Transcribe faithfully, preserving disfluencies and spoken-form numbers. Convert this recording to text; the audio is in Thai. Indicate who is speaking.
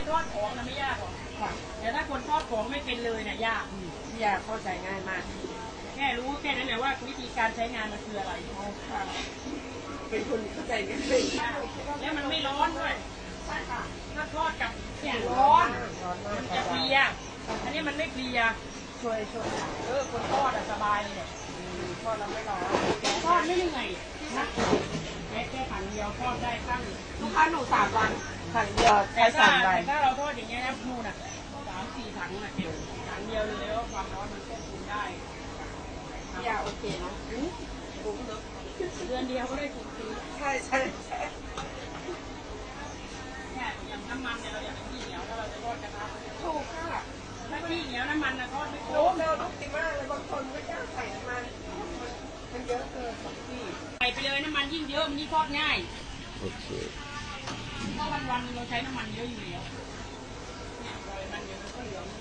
Speaker 1: ทอดของนะไม่ยากหรอกแต่ถ้าคนทอดของไม่เป็นเลยเนี่ยยาก
Speaker 2: ยากเข้าใจง่ายมาก
Speaker 1: แค่รู้แค่นั้นแหละว่าวิธีการใช้งานมันคืออะไร
Speaker 2: เป็นคนเข้าใจง่าย
Speaker 1: แล้วมันไม่ร้อนด้วยถ้าทอดกับเนี่ยร้อนมันจะเพลียอันนี้มันไม่เพลีย
Speaker 2: ช่วยช่วย
Speaker 1: เออคนทอดอะสบายเลย
Speaker 2: ทอดเราไม่ร้อน
Speaker 1: ทอดไม่เหนื่อยนะแค่แค่ถังเดียวทอดได้ตั้ง
Speaker 2: ลูกค้าหนูสามวันถังเดียวใช้
Speaker 1: แต่ถ้า
Speaker 2: สามวัน
Speaker 1: แต่ถ้าเราทอดอย่างเงี้ยนะนู่นอ่ะสามสี่ถังอ่ะเดียวถังเดียวเลยแล้วความร้อนมันควบคุมได้
Speaker 2: ยาโอเคเนาะ
Speaker 1: เดือนเดียวก็ได้ถูกซื้อ
Speaker 2: ใช่ใช่ใช่
Speaker 1: เนี่ยอย่างน้ำมันเนี่ยเราอยากให้ขี้เหนียวถ้าเราจะทอดกระทะ
Speaker 2: ถูกค่ะ
Speaker 1: ถ้าขี้เหนียวน้ำมันนะทอดไม่โค้ง
Speaker 2: เร็วลูกดีมากเลยบางคนไม่กล้าใส่น้ำมันมันเยอะเกินพี่
Speaker 1: ใส่ไปเลยน้ำมันยิ่งเยอะมันยิ่งทอดง่าย
Speaker 3: โอเค
Speaker 1: เพราะวันวันเราใช้น้ำมันเยอะอยู่แล้วเนี่ยเรามันเยอะก็เหลือง